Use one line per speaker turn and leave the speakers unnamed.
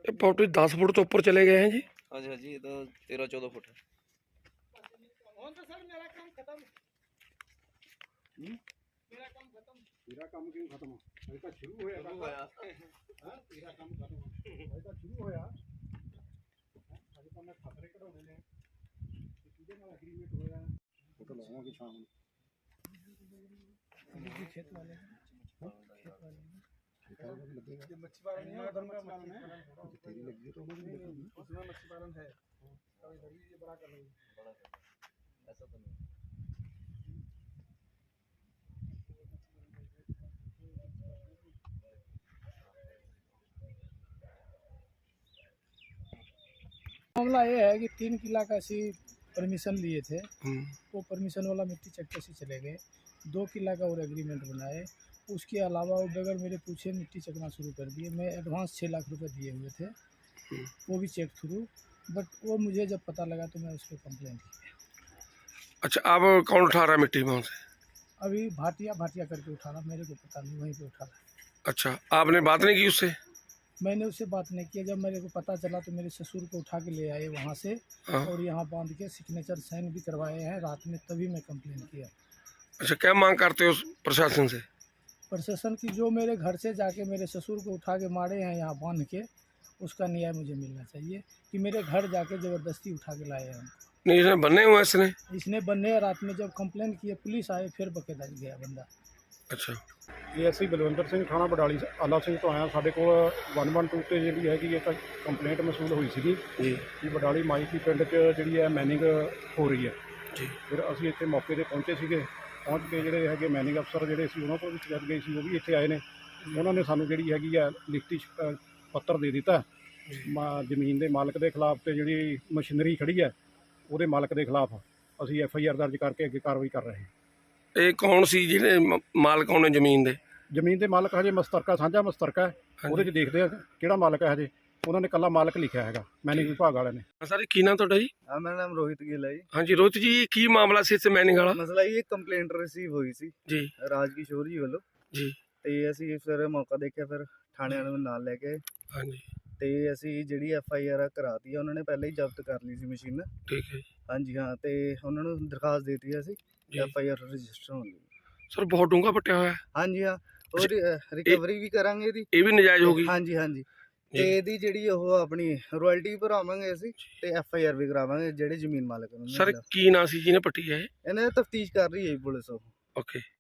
पौटे 10 foot तो ऊपर चले गए हैं जी।
हाँ जी, ये तो 13-14 फुट है।
तेरा काम क्यों खत्म अभी तक शुरू होया हां तेरा काम खत्म अभी तक शुरू होया अभी तो मैं खतरे कढाउणे ने किहदे नाल एग्रीमेंट होया फोटो लावांगे शाम ਨੂੰ खेत वाले लगेगा ये मच्छी पालन नहीं है उधर मच्छी पालन है तेरी लगी तो मुझे लगेगी उसमें मच्छी पालन है तो इधर भी ये बड़ा कर रही है
ऐसा तो नहीं।
मामला ये है कि 3 किला का सी परमिशन लिए थे, वो परमिशन वाला मिट्टी चक्के से चले गए। 2 किला का और एग्रीमेंट बनाए, उसके अलावा वो बगैर मेरे पूछे मिट्टी चकना शुरू कर दिए। मैं एडवांस 6 लाख रुपए दिए हुए थे, वो भी चेक थ्रू, बट वो मुझे जब पता लगा तो मैं उस पर कंप्लेंट की।
अच्छा, अब कौन उठा रहा है मिट्टी वहाँ से?
अभी भाटिया करके उठा रहा, मेरे को पता नहीं, वहीं पे उठा रहा।
अच्छा, आपने बात नहीं की उससे?
मैंने उससे बात नहीं किया। जब मेरे को पता चला तो मेरे ससुर को उठा के ले आए वहाँ से,
हाँ।
और यहाँ बांध के सिग्नेचर साइन भी करवाए हैं रात में, तभी मैं कंप्लेंट किया।
अच्छा, क्या मांग करते हो प्रशासन से?
प्रशासन की जो मेरे घर से जाके मेरे ससुर को उठा के मारे हैं यहाँ बांध के, उसका न्याय मुझे मिलना चाहिए। कि मेरे घर जाके ज़बरदस्ती उठा के लाए हैं।
नहीं, इसने बने हुए
इसने बन्ने रात में जब कंप्लेंट किए, पुलिस आए, फिर बकेदा गया बंदा।
अच्छा,
एएसआई बलविंदर सिंह थाना बडाली आला सिंह तो आया साढ़े को 112 ਤੇ ਜਿਹੜੀ ਹੈਗੀ ਇੱਕ ਕੰਪਲੇਂਟ ਮਸੂਲ ਹੋਈ ਸੀਗੀ
ਜੀ
ਕਿ ਬਡਾਲੀ ਮਾਈਕੀ ਪਿੰਡ 'ਚ ਜਿਹੜੀ ਹੈ ਮੈਨਿੰਗ ਹੋ ਰਹੀ ਹੈ
ਜੀ।
ਫਿਰ ਅਸੀਂ ਇੱਥੇ ਮੌਕੇ ਤੇ ਪਹੁੰਚੇ ਸੀਗੇ। ਪਹੁੰਚ ਕੇ ਜਿਹੜੇ ਹੈਗੇ ਮੈਨਿੰਗ ਅਫਸਰ ਜਿਹੜੇ ਸੀ ਉਹਨਾਂ ਕੋਲ ਵੀ ਸ਼ਿਕਾਇਤ ਗਈ ਸੀ, ਉਹ ਵੀ ਇੱਥੇ ਆਏ ਨੇ। ਉਹਨਾਂ ਨੇ ਸਾਨੂੰ ਜਿਹੜੀ ਹੈਗੀ ਆ ਲਿਖਤੀ ਪੱਤਰ ਦੇ ਦਿੱਤਾ ਜ਼ਮੀਨ ਦੇ ਮਾਲਕ ਦੇ ਖਿਲਾਫ, ਤੇ ਜਿਹੜੀ ਮਸ਼ੀਨਰੀ ਖੜੀ ਹੈ ਉਹਦੇ ਮਾਲਕ ਦੇ ਖਿਲਾਫ ਅਸੀਂ ਐਫਆਈਆਰ ਦਰਜ ਕਰਕੇ ਅੱਗੇ ਕਾਰਵਾਈ ਕਰ ਰਹੇ ਹਾਂ।
ਇਹ ਕੌਣ ਸੀ ਜਿਹਨੇ ਮਾਲਕ ਕੌਣ ਨੇ ਜ਼ਮੀਨ ਦੇ?
ਜ਼ਮੀਨ ਦੇ ਮਾਲਕ ਹਜੇ ਮਸਤਰਕਾ ਸਾਂਝਾ ਮਸਤਰਕਾ ਹੈ, ਉਹਦੇ 'ਚ ਦੇਖਦੇ ਆ ਕਿਹੜਾ ਮਾਲਕ ਹੈ। ਹਜੇ ਉਹਨਾਂ ਨੇ ਕੱਲਾ ਮਾਲਕ ਲਿਖਿਆ ਹੈਗਾ ਮੈਨਿੰਗ ਵਿਭਾਗ ਵਾਲਿਆਂ ਨੇ।
ਸਰ, ਕੀ ਨਾਮ ਤੁਹਾਡਾ ਜੀ?
हाँ, मेरा नाम रोहित गिल है जी।
ਹਾਂਜੀ ਰੋਹਿਤ ਜੀ, ਕੀ ਮਾਮਲਾ ਸੀ ਇੱਥੇ ਮੈਨਿੰਗ ਵਾਲਾ?
ਮਸਲਾ ਇਹ ਕੰਪਲੇਂਟ ਰਿਸੀਵ ਹੋਈ ਸੀ
ਜੀ
ਰਾਜਕਿਸ਼ੋਰ ਜੀ ਵੱਲੋਂ,
ਜੀ।
ਤੇ ਅਸੀਂ ਫਿਰ ਮੌਕਾ ਦੇਖਿਆ, ਫਿਰ ਥਾਣੇ ਵਾਲਿਆਂ ਨੂੰ ਨਾਲ ਲੈ ਕੇ ਆਏ,
ਹਾਂਜੀ,
ਤੇ ਅਸੀਂ ਜਿਹੜੀ ਐਫਆਈਆਰ ਕਰਾਤੀ ਆ। ਉਹਨਾਂ ਨੇ ਪਹਿਲਾਂ ਹੀ ਜ਼ਬਤ ਕਰ ਲਈ ਸੀ ਮਸ਼ੀਨ।
ਠੀਕ ਹੈ ਜੀ।
ਹਾਂਜੀ ਹਾਂ, ਤੇ ਉਹਨਾਂ ਨੂੰ ਦਰਖਾਸਤ ਦੇ ਦਿੱਤੀ ਅਸੀਂ ਐਫਆਈਆਰ ਰਜਿਸਟਰ ਹੋਣ ਲਈ।
ਸਰ, ਬਹੁਤ ਡੂੰਘਾ ਪੱਟਿਆ ਹੋਇਆ ਹੈ।
ਹਾਂਜੀ ਹਾਂ, ਉਹ ਰਿਕਵਰੀ ਵੀ ਕਰਾਂਗੇ ਇਹਦੀ।
ਇਹ ਵੀ ਨਜਾਇਜ਼ ਹੋ ਗਈ?
ਹਾਂਜੀ ਹਾਂਜੀ, ਤੇ ਇਹਦੀ ਜਿਹੜੀ ਉਹ ਆਪਣੀ ਰਾਇਲਟੀ ਭਰਾਵਾਂਗੇ ਅਸੀਂ, ਤੇ ਐਫਆਈਆਰ ਵੀ ਕਰਾਵਾਂਗੇ ਜਿਹੜੇ ਜ਼ਮੀਨ ਮਾਲਕ ਨੂੰ।
ਸਰ, ਕੀ ਨਾਂ ਸੀ ਜਿਹਨੇ ਪੱਟੀ ਹੈ ਇਹ?
ਇਹਨਾਂ ਦੀ ਤਫਤੀਸ਼ ਕਰ ਰਹੀ ਹੈ ਜੀ ਪੁਲਿਸ। ਉਹ
ਓਕੇ।